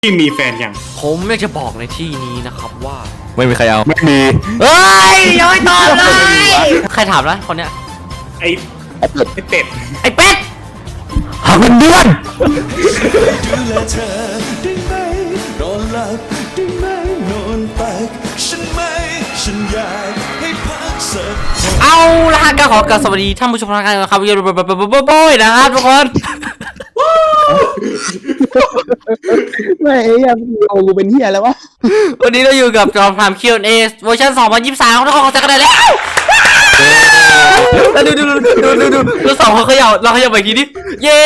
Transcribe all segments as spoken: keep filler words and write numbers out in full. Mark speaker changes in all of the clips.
Speaker 1: ที่มีแฟนยัง
Speaker 2: ผมอยากจะบอกในที่นี้นะครับว่า
Speaker 3: ไม่มีใครเอาไม่มี
Speaker 2: เฮ้ยยังไม่ตอบเลยใครถามนะคนเนี้ย
Speaker 1: ไอ้ไอ้เป็ด
Speaker 2: ไอ้เป็ด
Speaker 3: หาเงินเดือน
Speaker 4: ดูแลเธอได้ไหมนอนหลับได้ไหมนอนตักฉันไม่ฉันอยากให้พักสัก
Speaker 2: เอาละก็ขอกราบสวัสดีท่านผู้ชมทางการนะครับวิวโบ้ยนะครับทุกคน
Speaker 5: ไม่ยังโอ้กูเป็นเฮียแล้ววะ
Speaker 2: วันนี้เราอยู่กับจอมพราม คิว แอนด์ เอ เวอร์ชันสองพันยี่สิบสามทุกคนขอจักรได้แล้วแล้วดูดูดูดูดูดูเราสองคนเขย่าเราเขย่าไปทีนี้เย้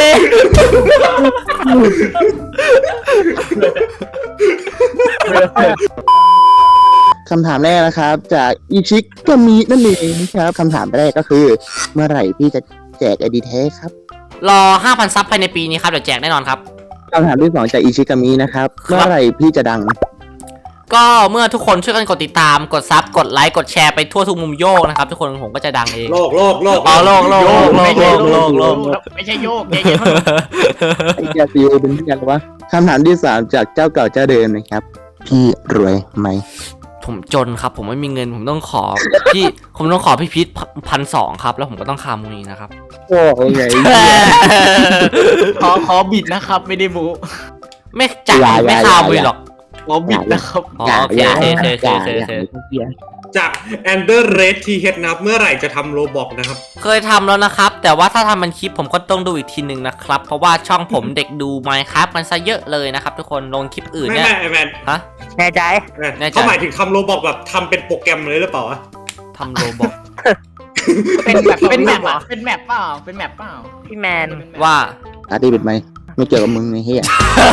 Speaker 5: คำถามแรกนะครับจากอิชิกามินั่นเองนะครับคำถามแรกก็คือเมื่อไหร่พี่จะแจกไอดีแท้ครับ
Speaker 2: รอ ห้าพัน ซับภายในปีนี้ครับเดี๋ยวแจกแน่นอนครับ
Speaker 5: คำถามที่สองจากอิชิกามินะครับเมื่อไหร่พี่จะดัง
Speaker 2: ก็เมื่อทุกคนช่วยกันกดติดตามกดซับกดไลค์กดแชร์ไปทั่วทุกมุมโยกนะครับทุกคนผมก็จะดังเอง
Speaker 1: โลกโลกโลก
Speaker 2: อ๋อโลกโลกโลกโลกโลกโลกโลก
Speaker 6: ไม่ใช่โยกเย็น
Speaker 5: ไอ้แกซีโอเป็นที่ยังวะคำถามที่สามจากเจ้าเก่าเจ้าเดิมนะครับพี่รวยไหม
Speaker 2: ผมจนครับผมไม่มีเงินผมต้องขอพี่ผมต้องขอพี่พีทพันสองครับแล้วผมก็ต้องคามูนีนะครับ
Speaker 5: โอ้ยไง
Speaker 6: ขอขอบิดนะครับไม่ได้บู
Speaker 2: ไม่จ่ายไม่คามูนีหรอก
Speaker 6: ขอบิดนะครับ
Speaker 2: โอเคโอเคโอเคโอเคโอเค
Speaker 1: จากแอนเดอร์เรดทีเฮดนะครับเมื่อไหร่จะทำโรบอกนะครับ
Speaker 2: เคยทำแล้วนะครับแต่ว่าถ้าทำมันคลิปผมก็ต้องดูอีกทีหนึ่งนะครับเพราะว่าช่องผมเด็กดู Minecraft มันซะเยอะเลยนะครับทุกคนลงคลิปอื่นเนี่ย
Speaker 1: ไม่ไม่แมน
Speaker 2: ฮะ
Speaker 6: แน่ใจ
Speaker 1: เขาหมายถึงทำโรบอกแบบทำเป็นโปรแกรมเลยหรือเปล่า
Speaker 2: ทำโรบอก
Speaker 6: เป็นแบบเป็นแมปอ่ะเป็นแมปเปล่าเป็นแมปเปล่าพี่แมน
Speaker 2: ว่า
Speaker 5: อาร์ตี้ปิดไหมไม่เกี่ยวกับมึงไอ้เหี้ย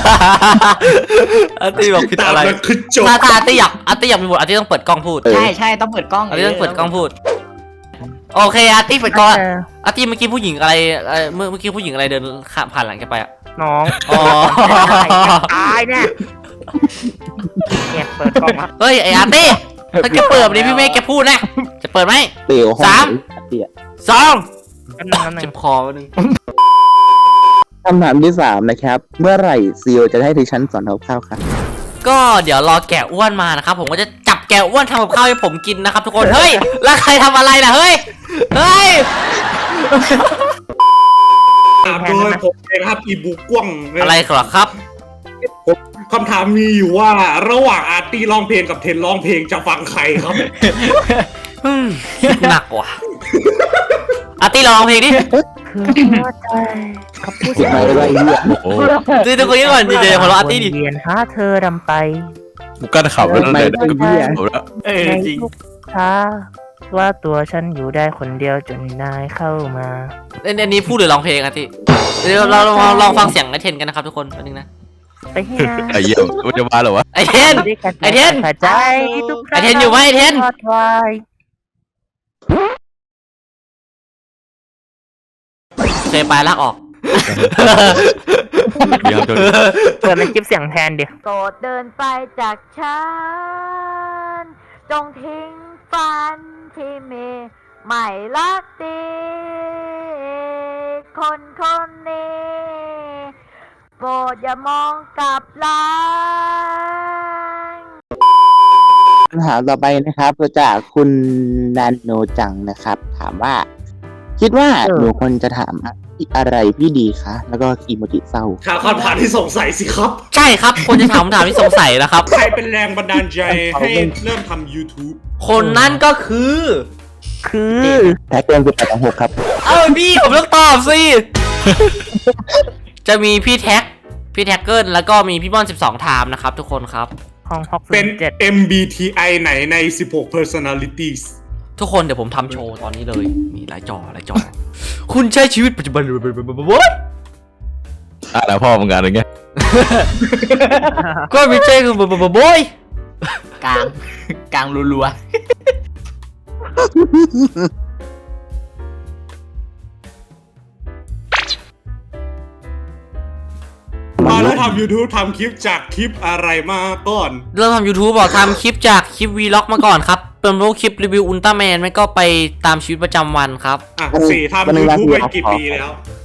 Speaker 2: อาร์ตี้บอกผิดอะไรถ้าถ้าอาร์ตี้อยากอาร์ตี้อยากมีบทอาร์ตี้ต้องเปิดกล้องพูด
Speaker 6: ใช่ใช่ต้องเปิดกล้อง
Speaker 2: อาร์ตี้ต้องเปิดกล้องพูดโอเคอาร์ตี้เปิดกล้องอาร์ตี้เมื่อกี้ผู้หญิงอะไรเมื่อเมื่อกี้ผู้หญิงอะไรเดินผ่านหลังแกไปอ่ะ
Speaker 6: น้อง
Speaker 2: อ๋อ
Speaker 6: ตายเนี่ยเนี่ยเปิดกล้อง
Speaker 2: เฮ้ยไออาร์ตี้ถ้าแกเปิดแบบนี้พี่เมฆแกพูดนะจะเปิดไหมสามสองเจ็บคอนึง
Speaker 5: คำถามที่สามนะครับเมื่อไหร่ซีโอจะให้ดิฉันสอนทำข้าวครับ
Speaker 2: ก็เดี๋ยวรอแกะอ้วนมานะครับผมก็จะจับแกะอ้วนทำกับข้าวให้ผมกินนะครับทุกคนเฮ้ยแล้วใครทำอะไรล่ะเฮ้ยเฮ้ย
Speaker 1: โดยผมเองครับอีบุกกว้าง
Speaker 2: อะไรเหรอครับ
Speaker 1: คำถามมีอยู่ว่าระหว่างอาร์ตี้ร้องเพลงกับเทนร้องเพลงจะฟังใครครับ
Speaker 2: หนักว่ะอาร์ตี้ร้องเพลงดิ
Speaker 5: เขาพูดอะไรวะไอ้เหี้ย
Speaker 2: ดูทุกคนนี้ก่อนดีเจของเราอาร์ตี้ดิ
Speaker 6: เรียนหาเธอดำไป
Speaker 3: กูกั้นขับแล้วเลย
Speaker 5: ไอ้เหี้ย
Speaker 6: เออจริงท้าว่าตัวฉันอยู่ได้คนเดียวจนนายเข้ามา
Speaker 2: เอันนี้พูดหรือร้องเพลงอาร์ตี้เดี๋ยวเราลองลองฟังเสียงไอเทนกันนะครับทุกคนอันนึงนะ
Speaker 6: ไปเฮีย
Speaker 3: ไอเหี้ยมันจะมาเหรอวะ
Speaker 2: ไอเทนไอเทน
Speaker 6: ใจ
Speaker 2: ไอเทนอยู่ไหมไอเทนเคยไปลากออก
Speaker 6: เปิดเป็นคลิปเสียงแทนเดี๋ยวโปรดเดินไปจากฉันจงทิ้งฝันที่มีไม่รักดีคนคนนี้โปรดอย่ามองกลับหลัง
Speaker 5: คำถามต่อไปนะครับจากคุณนันโนจังนะครับถามว่าคิดว่าหนูควรจะถามอะไรพี่ดีคะแล้วก็อีโมจิเศร้า
Speaker 1: ถามคำถามที่สงสัยสิครับ
Speaker 2: ใช่ครับควรจะถามคำถามที่สงสัยนะครับ
Speaker 1: ใครเป็นแรงบันดาลใจให้เริ่มทำ YouTube
Speaker 2: คนนั้นก็คือ
Speaker 6: คือ
Speaker 5: แท็กเกินคือแปดสองหกครับ
Speaker 2: เอ้าพี่ผมต้องตอบสิจะมีพี่แท็กพี่แท็กเกิลแล้วก็มีพี่บอลสิบสองไทม์นะครับทุกคนครับ
Speaker 1: เป็น เอ็ม บี ที ไอ ไหนในสิบหก personalities
Speaker 2: ทุกคนเดี๋ยวผมทำโชว์ตอนนี้เลยมีหลายจอหลายจอคุณใช้ชีวิตปัจจุบันวะ
Speaker 3: อ่ะแล้วพ่อมึงงานอะไรเงี้ย
Speaker 2: ก็ไม่ใช่คือบบอย
Speaker 6: กลางกลางรัว
Speaker 1: มาแล้วทำ YouTube ทำคลิปจากคลิปอะไรมาก่อน
Speaker 2: เริ่มทำ YouTube บอกทำคลิปจากคลิป Vlog มาก่อนครับเป็นพวกคลิปรีวิวอุลตร้าแมนไม่ก็ไปตามชีวิตประจำวันครับ
Speaker 1: อ่ะสี่ทำ YouTube ไปกี่ปีแล้ว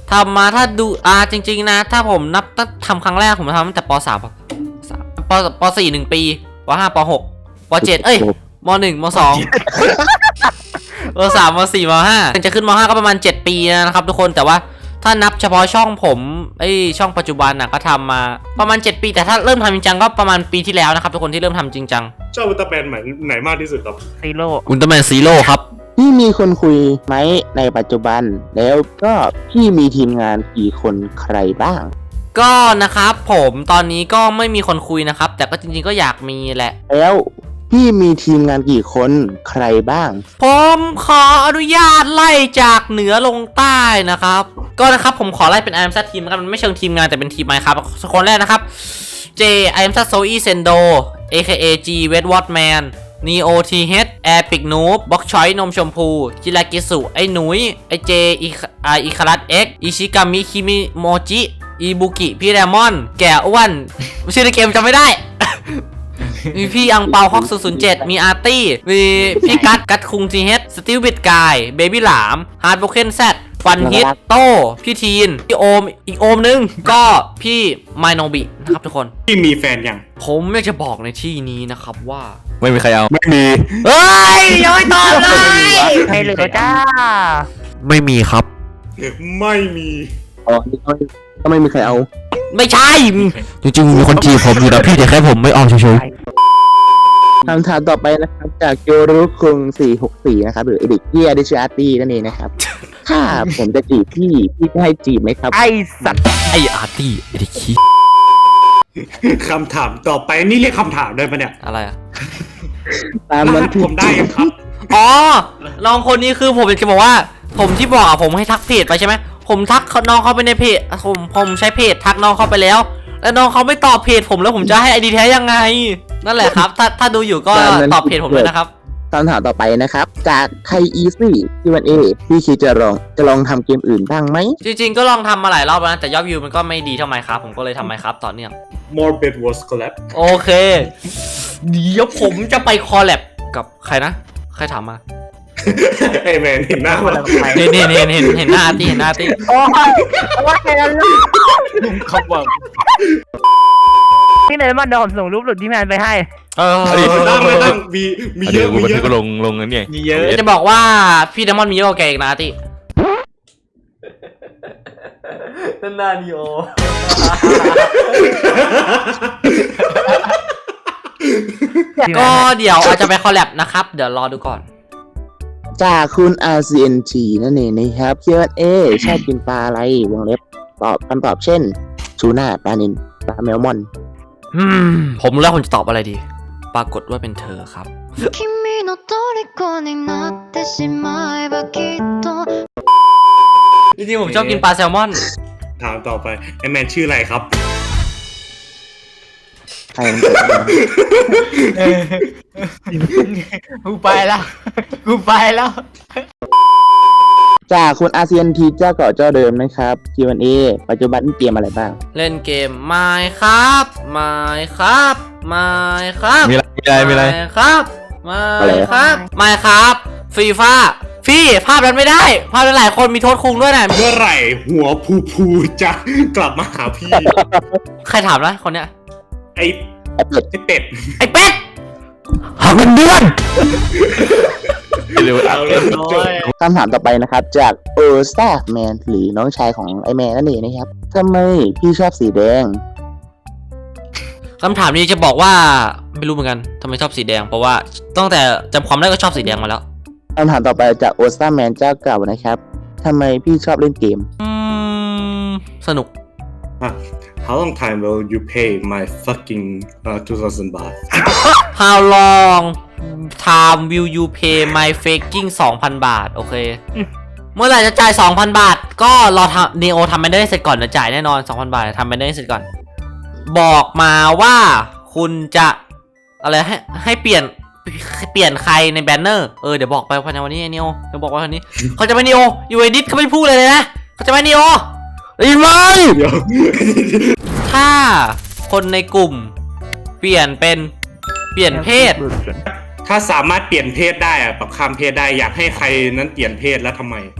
Speaker 2: ทำมาถ้าดูอ่าจริงๆนะ ถ้าผมนับตั้งทำครั้งแรกผมทำตั้งแต่ปสามปสามปปสี่หนึ่งปีปห้าปหกปเจ็ดเอ้ยมหนึ่งมสองมสามมสี่มห้าจะขึ้นมห้าก็ประมาณเจ็ดปีนะครับทุกคนแต่ว่าถ้านับเฉพาะช่องผมไอช่องปัจจุบันน่ะก็ทำมาประมาณเจ็ดปีแต่ถ้าเริ่มทำจริงจังก็ประมาณปีที่แล้วนะครับทุกคนที่เริ่มทำจริงจัง
Speaker 1: ชอบอุลตร้าแมนไหนมากที่สุดครับ
Speaker 6: ซีโร่
Speaker 2: อุลตร้าแมนซีโร่ครับ
Speaker 5: พี่มีคนคุยไหมในปัจจุบัน แล้วก็พี่มีทีมงานกี่คนใครบ้าง
Speaker 2: ก็นะครับผมตอนนี้ก็ไม่มีคนคุยนะครับแต่ก็จริงๆก็อยากมีแหละ
Speaker 5: แล้วพี่มีทีมงานกี่คนใครบ้าง
Speaker 2: ผมขออนุญาตไล่จากเหนือลงใต้นะครับก็นะครับผมขอไล่เป็น I am Sad Team นะครับมันไม่เชิงทีมงานแต่เป็นทีมไมค์ครับคนแรกนะครับ J I am Sad Zoe Sendo เอ เค เอ G Wet Watman Neo ที เอช Epic Noob บ็อกชอยนมชมพูจิรากิสุไอ้หนุยไอ้เจอีอีคารัส X อิชิกามิคิมิโมจิอีบุกิพี่แรมอนแก่อ้วนชื่อในเกมจำไม่ได้ มีพี่อังเปาฮอกศูนย์ศูนย์เจ็ดมีอาร์ตี้มีพี่กัดกัดคุงทีเฮดสติลบิดกายเบบี้หลามฮาร์ดโบเคนแซดฟันฮิตโต้พี่ทีนพี่โอมอีกโอมนึงก็พี่ไมโนบินะครับทุกคน
Speaker 1: ที่มีแฟนยัง
Speaker 2: ผมอยากจะบอกในที่นี้นะครับว่า
Speaker 3: ไม่มีใครเอาไม่มี
Speaker 2: เฮ้ยยังไม่ตอบเลย
Speaker 6: ใครเหลือจ้า
Speaker 2: ไม่มีครับ
Speaker 1: ไม่มี
Speaker 5: อ๋อก็ไม่มีใครเอา
Speaker 2: ไม่ใช่
Speaker 3: จริงๆมีคนจีบผมอยู่นะพี่แต่แค่ผมไม่ออกเฉย
Speaker 5: คำถามต่อไปนะครับ จากโยรุคุงสี่หกสี่นะครับ หรือเอดิกเกียดิชอาร์ตี้นั่นเองนะครับ ถ้าผมจะจีบพี่ พี่จะให้จีบไหมครับ
Speaker 6: ไอสัตว์
Speaker 2: ไออาร์ตี้ไอเด็กขี้
Speaker 1: คำถามต่อไปนี่เรียกคำถามได้ปะเนี่ย
Speaker 2: อะไรอะ
Speaker 5: ตามนั้น
Speaker 1: ผมได้ยังครับ
Speaker 2: อ๋อน้องคนนี้คือผมจะบอกว่า ผมที่บอกอะผมให้ทักเพจไปใช่ไหมผมทักน้องเขาไปในเพจผมผมใช้เพจทักน้องเขาไปแล้ว แล้วน้องเขาไม่ตอบเพจผมแล้วผมจะให้ไอดีแท้ยังไง นั่นแหละครับ ถ้าถ้าดูอยู่ก็ตอบเพจผมด้วยนะครับ
Speaker 5: คำถามต่อไปนะครับ จากไทยอีซี่ที่วันเอพี่คิดจะลองจะลองทำเกมอื่นบ้างไหม
Speaker 2: จริงๆก็ลองทำมาหลายรอบแล้วนะแต่ยอดวิวมันก็ไม่ดีเท่าไมค์ครับผมก็เลยทำไมครับต่อเนื่อง
Speaker 1: more bed was collapse
Speaker 2: โอเค เดี๋ยวผมจะไปคอลแลบกับใครนะ ใครถามมา
Speaker 1: ไอ้แมนเห็นหน้ามัน
Speaker 2: เห็นเห็นเห็นเห็นเห็นหน้าอาร์ตี้เห็นหน้าอาร์ตี้
Speaker 6: โอ้ยโอ้ยแค่นั้นเลย
Speaker 1: เขาบอก
Speaker 6: พี่เนยมันเดี๋ยวผมส่งรูปหลุดที่แมนไปให้
Speaker 2: เออ
Speaker 1: ตั้งไม่ตั้งมีมี
Speaker 3: ๆ
Speaker 1: เย
Speaker 3: เดี๋ย
Speaker 1: อะ
Speaker 3: วกู
Speaker 1: มี
Speaker 3: บัน
Speaker 1: เย
Speaker 3: ทึก
Speaker 1: อะ
Speaker 3: ก็ลงลงนั่นไง
Speaker 1: มีเยอะ
Speaker 2: จะบอกว่าพี่เดมอนมีเยอะกว่าแกอีกนะอาร์ตี้นั่นนาดิโอ ก็เดี๋ยวอาจจะไปคอลแลบนะครับ เดี๋ยวรอดูก่อน
Speaker 5: จากคุณ อาร์ ซี เอ็น จี นั่นเองนะครับ คิว แอนด์ เอ ชอบกินปลาอะไรวงเล็บตอบคำตอบเช่นชูน่าปลานิลปลาแมลมอน
Speaker 2: อืม ผมรู้แล้วผมจะตอบอะไรดี ปรากฏว่าเป็นเธอครับ
Speaker 7: 君の虜になってしまえばきっと
Speaker 2: จริงๆผมชอบกินปลาแซลมอน
Speaker 1: ถามต่อไปไอ้แมนชื่ออะไรครับ
Speaker 5: ใครมันเกิดมา
Speaker 6: กูไปแล้วกูไปแล้ว
Speaker 5: จากคุณ อาร์ ซี เอ็น ที เจ้าเก่าเจ้าเดิมนะครับ คิว แอนด์ เอ ปัจจุบันเกมอะไรบ้าง
Speaker 2: เล่นเกมไม่ครับไม่ครับไม่ครับ
Speaker 3: มีอะไรมีอะไรมีอะไร
Speaker 2: ไม่ครับไม่
Speaker 5: อะไร
Speaker 2: ครับไม่ครับฟรีฟ้าพี่ภาพนั้นไม่ได้ ภาพนั้นหลายคนมีโทษคุงด้วยนะ
Speaker 1: เมื่อไหร่หัวพูพูจะกลับมาหาพี่
Speaker 2: ใครถามนะคนเนี้ย
Speaker 1: ไอ้
Speaker 5: ไอ้เป็ด
Speaker 1: ไอ้เป็ด
Speaker 2: ไอ้เป็ดหาเงินเดือน
Speaker 3: เร็วอ่ะ
Speaker 1: เอาเลยจบ
Speaker 5: คำถามต่อไปนะครับ จากโอสตาแมนหรือน้องชายของไอแมนนั่นเองนะครับทำไมพี่ชอบสีแดง
Speaker 2: คำถามนี้จะบอกว่าไม่รู้เหมือนกันทำไมชอบสีแดง เพราะว่าตั้งแต่จำความได้ก็ชอบสีแดงมาแล้ว
Speaker 5: คำถามต่อไปจากโอสตาแมนเจ้าเก่านะครับทำไมพี่ชอบเล่นเกม
Speaker 2: อืม สนุก
Speaker 1: How long time will you pay my fucking uh, two thousand baht
Speaker 2: How long time will you pay my faking สองพัน บาท โอเค เมื่อไหร่จะจ่าย สองพัน บาท ก็รอทำ Neo ทำไม่ได้เสร็จก่อนจะจ่ายแน่นอน สองพัน บาททำไม่ได้เสร็จก่อน บอกมาว่าคุณจะอะไรให้ให้เปลี่ยนเปลี่ยนใครในแบนเนอร์ เออเดี๋ยวบอกไปภายในวันนี้ไอ้ Neo เดี๋ยวบอกว่าวันนี้ เขาจะไม่ Neo อยู่เอดิทเขาไม่พูดเลยนะเขาจะไม่ Neo ได้ยินไหม
Speaker 1: เดี๋ยว
Speaker 2: ถ้าคนในกลุ่มเปลี่ยนเป็นเปลี่ยนเพศ
Speaker 1: ถ้าสามารถเปลี่ยนเพศได้อะปรับข้ามเพศได้อยากให้ใครนั้นเปลี่ยนเพศแล้วทำไม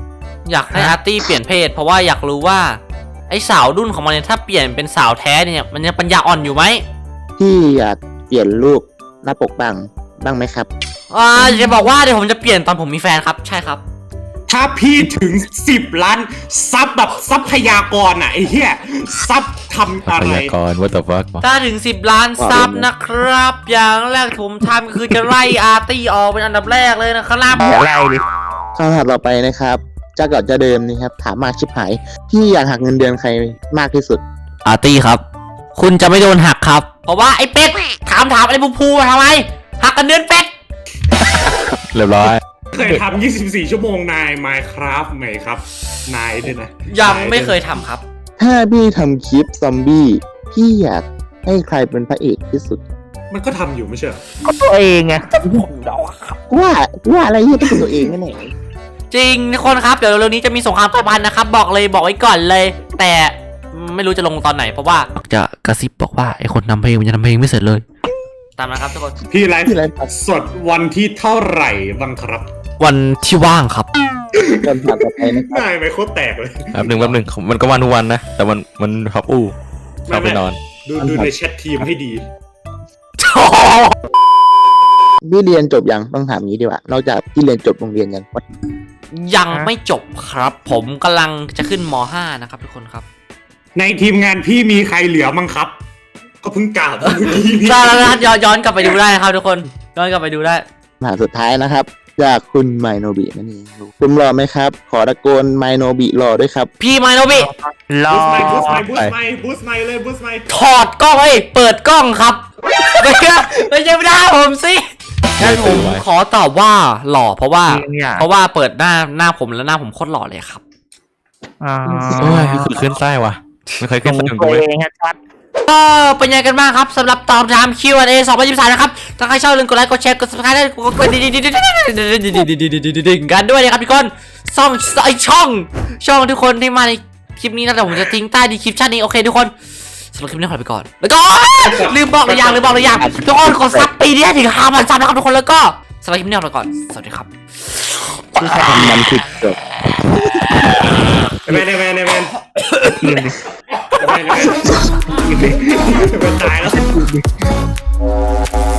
Speaker 2: อยากให้อาร์ตี้เปลี่ยนเพศ เพราะว่าอยากรู้ว่าไอ้สาวดุ้นของมันเนี่ยถ้าเปลี่ยนเป็นสาวแท้เนี่ยมันยังปัญญาอ่อนอยู่ไหม
Speaker 5: พี่อยากเปลี่ยนรูปหน้าปกบ้างบ้างไหมครับ
Speaker 2: อ่าจะบอกว่าเดี๋ยวผมจะเปลี่ยนตอนผมมีแฟนครับใช่ครับ
Speaker 1: ถ้าพี่ถึงสิบล้านซับแบบทรัพยากรอ่ะไอ้เหี้ยซับทำ
Speaker 3: พ
Speaker 1: อะไร
Speaker 3: ยากรว่าแต่ว่า
Speaker 2: ถ้าถึงสิบล้านซับนะครับ อย่างแรกที่ผมทำก็คือจะไล่อาร์ตี้ออกเป็นอันดับแรกเลยนะครับ
Speaker 6: อะไรดิ
Speaker 5: คำถามต่อไปนะครับจะก่อนจะเดิมนี่ครับถามมากชิบหายพี่อยากหักเงินเดือนใครมากที่สุด
Speaker 3: อาร์ตี้ครับ คุณจะไม่โดนหักครับ
Speaker 2: เพราะว่าไอ้เป็ดถามถามไอ้บูพูมาทำไมหักกันเดือนเป็ด
Speaker 3: เรียบร้อย
Speaker 1: เคยทำยี่สิบสี่ชั่วโมงนาย Minecraft ไหมครับ นายด้วยนะ
Speaker 2: ยังไม่เคยทำครับ
Speaker 5: ถ้าพี่ทำคลิปซอมบี้พี่อยากให้ใครเป็นพระเอกที่สุด
Speaker 1: มันก็ทำอยู่ไม่ใช่เหรอ
Speaker 6: ตัวเองไง
Speaker 5: ว่าว่าอะไรที่เป็นตัวเองนั่นเอง
Speaker 2: จริงทุกคนครับเดี๋ยวเร็วๆนี้จะมีสงครามกลายพันธุ์นะครับบอกเลยบอกไว้ก่อนเลย แต่ไม่รู้จะลงตอนไหนเพราะว่า
Speaker 3: จะกระซิบบอกว่าไอคนทำเพลงมันจะทำเพลงไม่เสร็จเลย
Speaker 2: ตามนะครับทุกคน
Speaker 1: พี่ไลฟ์
Speaker 5: พี่ไลฟ์ครับ
Speaker 1: สดวันที่เท่าไหร่บ้างครับ
Speaker 3: วันที่ว่างครับ
Speaker 5: คำถามต่อไปนะครับ
Speaker 1: นายไม่โคตรแตกเลย
Speaker 3: แป๊บหนึ่งแป๊บหนึ่งมันก็วันทุกวันนะ แต่มันมันพับอู้ชอบไปนอน
Speaker 1: ดูดูในแชททีมให้ดี
Speaker 5: พี่เรียนจบยังต้องถามงี้ดีกว่านอกจากพี่เรียนจบโรงเรียนยัง
Speaker 2: ยังไม่จบครับ ผมกำลังจะขึ้นม ห้านะครับทุกคนครับ
Speaker 1: ในทีมงานพี่มีใครเหลือมั้งครับ ก็เพิ่งกล่าวเมื่อกี้นี่
Speaker 2: ถ้าแล้วย้อนย้อนกลับไปดูได้นะครับทุกคนย้อนกลับไปดูได้
Speaker 5: คำถามสุดท้ายนะครับ จากคุณไมโนบินั่นเองคุณรอไหมครับ ขอตะโกนไมโนบิรอด้วยครับ
Speaker 2: พี่ไมโนบิ
Speaker 6: รอ
Speaker 1: บูสไมบูสไมบูสไมบูสไมเลยบูสไม
Speaker 2: ถอดกล้องเอ้ยเปิดกล้องครับไม่ใช่ไม่ใช่ไม่ได้ผมสิงั้นผมขอตอบว่าหล่อเพราะว่า เพราะว่าเปิดหน้าหน้าผมแล้วหน้าผมโคตรหล่อเลยครับ
Speaker 6: อ่า
Speaker 3: โอ้ยคือขึ้นไส้ว่ะ ไม่เคยขึ้นไส้เหมือน
Speaker 6: ตั
Speaker 3: กู
Speaker 6: ว
Speaker 3: เว้ย
Speaker 6: เองอะชัด
Speaker 2: ก็เป็นยังไงกันบ้างครับสำหรับตอบคำถาม คิว แอนด์ เอ สองพันยี่สิบสามนะครับถ้าใครชอบอย่าลืมกดไลค์กดแชร์กด ซับสไครบ์ ได้กดกดดิ่งดิ่งดิ่งดิ่งดิ่งกันด้วยนะครับทุกคนช่องไอช่อง ช่องทุกคนที่มาในคลิปนี้นะแต่ผมจะทิ้งใต้ดีคลิปชั่นนี้โอเคทุกคนสำหรับคลิปนี้ขอไปก่อนแล้วก็ลืมบอกเลยอย่างลืมบอกเลยอย่างทุกคนกดซับปีนี้ถึงห้าพันซับนะครับทุกคนแล้วก็สำหรับคลิปนี้ขอไปก่อนสวัสดีครับ
Speaker 5: มันคือจบ
Speaker 1: แมนแมนแมนแมน
Speaker 6: ทีมดิ
Speaker 1: แมนแมนตายแล้ว